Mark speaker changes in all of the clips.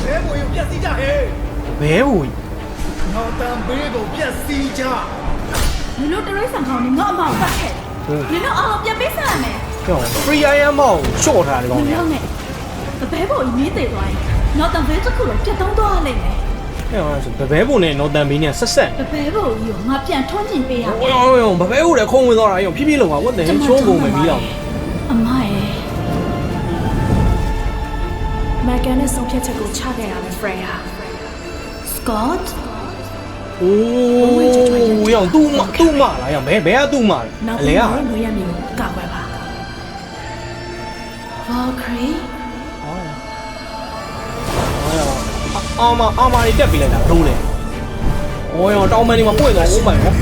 Speaker 1: ဘဲဘူကိုပြက်စီးကြဟဲ့ဘဲဘူနောက်တန်ဘေးကိုပြက်စီးကြ
Speaker 2: 你那这类上考你我冇发开，你那哦别别啥呢？
Speaker 1: 叫 free I am 冇 short ထားတယ်ကောင်း
Speaker 2: 你呢？ဘဲဘောမီးသေးသွားရင်နောက်တန်ဘေးတစ်ခုလုံးပြတ်တောင်းသွားလိမ့်မယ်
Speaker 1: ။အဲ့ဒါဆိုဘဲဘူနဲ့နော်တန်ဘေးနဲ့ဆက်ဆက်
Speaker 2: ဘဲဘောကြီးကိုငါပြန်ထွန်းကျင်ပေးရမယ်
Speaker 1: ။အော်ဘဲဘူလည်းခုံဝင်သွားတာရောဖြည်းဖြည်းလုံးပါဝတ်တယ်ချိုးကုန်မယ်ပြီးတော့
Speaker 2: အမရဲ့မကန်နဲ့ဆုံးဖြတ်ချက်ကိုချခဲ့ရမယ် Freya Scott
Speaker 1: အိုးရောင်သူ့မလားရောင်ဘဲကသူ့မလားအလဲက
Speaker 2: ငွေရမျိုးကောက်ွယ်ပါ Valkyrie
Speaker 1: အာမတွေတက်ပြီးလိုက်တာဘလို့လဲ။အော်ရောင်တောင်းမန်းဒီမှာပွင့်သွားဦးမိုင်နော်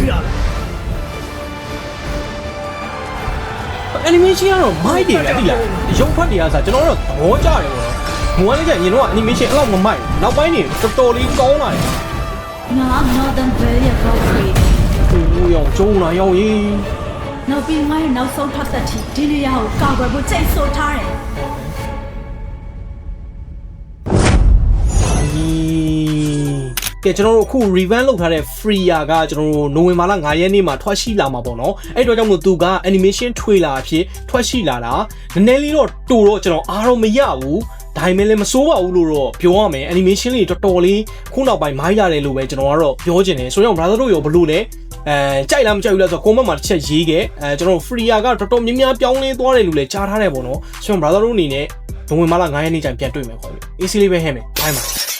Speaker 1: ။ animation ကတော့မိုက်တယ်ဗျာတိလား။ရုပ်ဖတ်တွေကစားကျွန်တော်တို့သဘောကျတယ်ပေါ့နော်။ငွေလည်းကျရင်တော့ animation အဲ့လောက်မမိုက်။နောက်ပိုင်းနေတော်တော်လေးကောင်းလာတယ်
Speaker 2: ။ငါ Northern Valkyrie Valkyrie
Speaker 1: ။အိုးရောင်ကျုံလာရောင်ကြီး
Speaker 2: ။နောက်ပြီးငါ့ရဲ့နောက်ဆုံးထပ်သက်ချီဒီနေရာကိုကောက်ွယ်ဖို့ချိန်ဆိုထားတယ်။
Speaker 1: ကဲကျွန်တော်တို့အခု revamp လုပ်ထားတဲ့ Freya ကကျွန်တော်တို့နိုဝင်ဘာလ9ရက်နေ့မှာထွက်ရှိလာမှာပေါ့နော်အဲ့တော့ကြောင့်မို့သူက animation trailer အဖြစ်ထွက်ရှိလာတာနည်းနည်းလေးတော့တူတော့ကျွန်တော်အားတော့မရဘူးဒါပေမဲ့လည်းမစိုးပါဘူးလို့တော့ပြောရမယ် animation လေးတော်တော်လေးခုနောက်ပိုင်းမိုင်းရတယ်လို့ပဲကျွန်တော်ကတော့ပြောချင်တယ်ဆိုတော့ brother တို့ရောဘလို့လဲကြိုက်လားမကြိုက်ဘူးလားဆိုတော့ comment မှာတစ်ချက်ရေးခဲ့ကျွန်တော် Freya ကတော်တော်များများပြောင်းလဲသွားတယ်လို့လည်းကြားထားတယ်ပေါ့နော်ဆိုတော့ brother တို့အနေနဲ့နိုဝင်ဘာလ9ရက်နေ့ကျရင်ပြန်တွေ့မယ်ခေါ်ပြီ AC လေးပဲဟဲ့မယ်ဘိုင်းပါ